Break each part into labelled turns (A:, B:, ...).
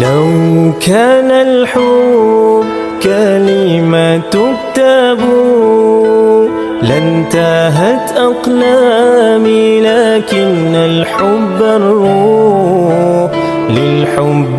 A: لو كان الحب كلمة تكتب لانتهت أقلامي لكن الحب الروح للحب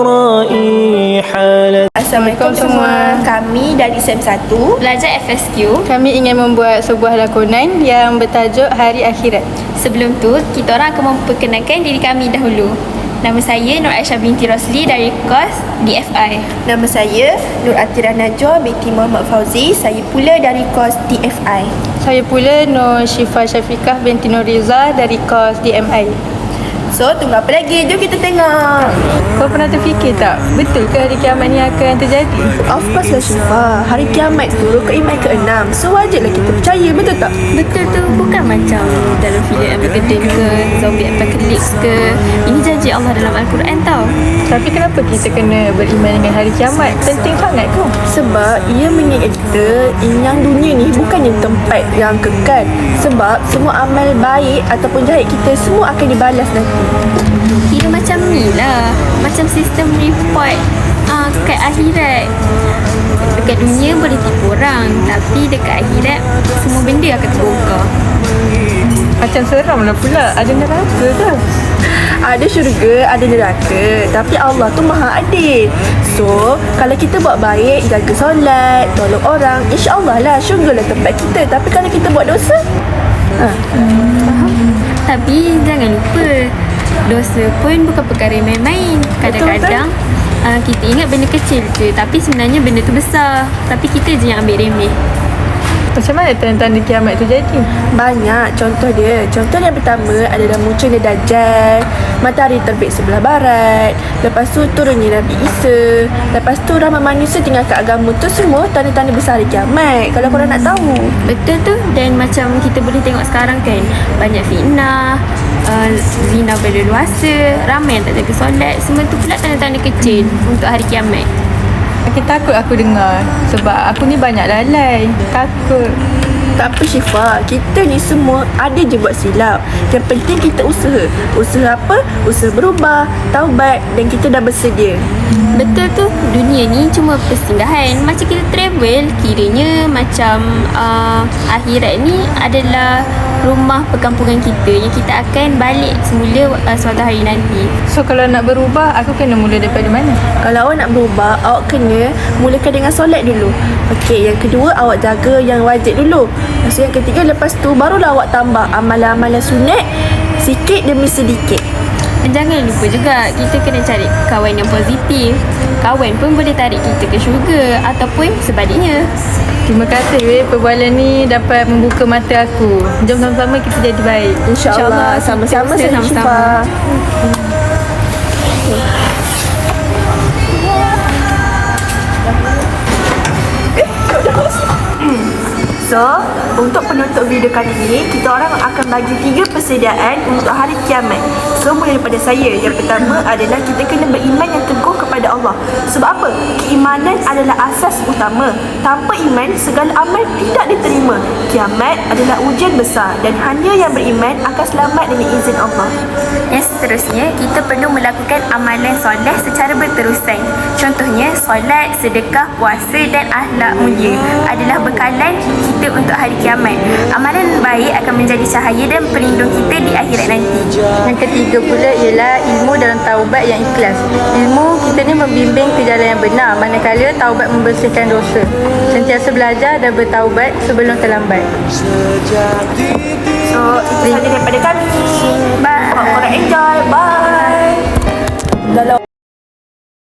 A: رائحة.
B: Assalamualaikum semua. Kami dari SEM 1
C: Belajar FSQ.
D: Kami ingin membuat sebuah lakonan yang bertajuk Hari Akhirat.
C: Sebelum tu, kita orang akan memperkenalkan diri kami dahulu. Nama saya Nur Aisyah binti Rosli dari kos DFI.
B: Nama saya Nur Atira Najwa binti Muhammad Fauzi. Saya pula dari kos DFI.
D: Saya pula Nur Syifa Syafiqah binti Nur Riza dari kos DMI.
B: So, tunggu apa lagi? Jom kita tengok.
D: Kau pernah terfikir tak, betul ke hari kiamat ni akan terjadi?
B: Of course lah Syifa. Hari kiamat tu rukun iman ke-6. So, wajarlah kita percaya, betul tak?
C: Betul tu, bukan macam dalam filem Armageddon ke, zombie apocalypse ke. Ini janji Allah dalam Al-Quran tau.
D: Tapi kenapa kita kena beriman dengan hari kiamat? Penting sangat kau.
B: Sebab ia mengingat kita yang dunia ni bukannya tempat yang kekal. Sebab semua amal baik ataupun jahat kita semua akan dibalas nanti.
C: Kira macam ni lah, macam sistem report kat akhirat. Dekat dunia boleh tipu orang, tapi dekat akhirat semua benda akan terbongkar.
D: Macam seram lah pula. Ada neraka ke?
B: Ada syurga, ada neraka. Tapi Allah tu maha adil. So, kalau kita buat baik, jaga solat, tolong orang, insya-Allah lah syurga lah tempat kita. Tapi kalau kita buat dosa,
C: Faham? Tapi jangan lupa, dosa pun bukan perkara yang main-main. Kadang-kadang kita ingat benda kecil je, tapi sebenarnya benda tu besar. Tapi kita je yang ambil remeh.
D: Macam mana tanda-tanda kiamat tu jadi?
B: banyak contoh dia. Contoh yang pertama adalah munculnya Dajjal, matahari terbit sebelah barat, lepas tu turunnya Nabi Isa, lepas tu ramai manusia tinggalkan agama tu. Semua tanda-tanda besar hari kiamat kalau korang nak tahu.
C: Betul tu. Dan macam kita boleh tengok sekarang kan, banyak fitnah, zina berleluasa, ramai yang tak jaga solat. Semua tu pula tanda-tanda kecil untuk hari kiamat.
D: Makin takut aku dengar. Sebab aku ni banyak lalai. Takut.
B: Tak apa Syifa, kita ni semua ada je buat silap. Yang penting kita usaha. Usaha apa? Usaha berubah, taubat dan kita dah bersedia.
C: Betul tu. Dunia ni cuma persinggahan. Macam kita travel, kiranya macam akhirat ni adalah rumah perkampungan kita yang kita akan balik semula suatu hari nanti.
D: So kalau nak berubah, aku kena mula daripada mana?
B: Kalau awak nak berubah, awak kena mulakan dengan solat dulu. Okey, yang kedua awak jaga yang wajib dulu. Lepas tu yang ketiga, lepas tu barulah awak tambah amalan-amalan sunat sikit demi sedikit.
C: Dan jangan lupa juga, kita kena cari kawan yang positif. Kawan pun boleh tarik kita ke syurga ataupun sebaliknya.
D: Terima kasih perbualan ni dapat membuka mata aku. Jom sama-sama kita jadi baik.
B: InsyaAllah. Sama-sama
C: Kita
B: Syifa.
C: sama-sama.
B: So, untuk penutup video kali ini, kita orang akan bagi 3 persediaan untuk hari kiamat. So, mulai daripada saya. Yang pertama adalah kita kena beriman yang teguh kepada Allah. Sebab apa? Keimanan adalah asas utama. Tanpa iman, segala amal tidak diterima. Kiamat adalah ujian besar dan hanya yang beriman akan selamat dengan izin Allah.
C: Yang seterusnya, kita perlu melakukan amalan solat secara berterusan. Contohnya, solat, sedekah, puasa dan akhlak mulia adalah bekalan kita untuk hari kiamat. Amalan baik akan menjadi cahaya dan pelindung kita di akhirat nanti.
D: Yang ketiga pula ialah ilmu dalam taubat yang ikhlas. Ilmu kita ni membimbing ke jalan yang benar, manakala taubat membersihkan dosa. Sentiasa belajar dan bertaubat sebelum terlambat.
B: So, itu sahaja daripada kami.
C: Bye.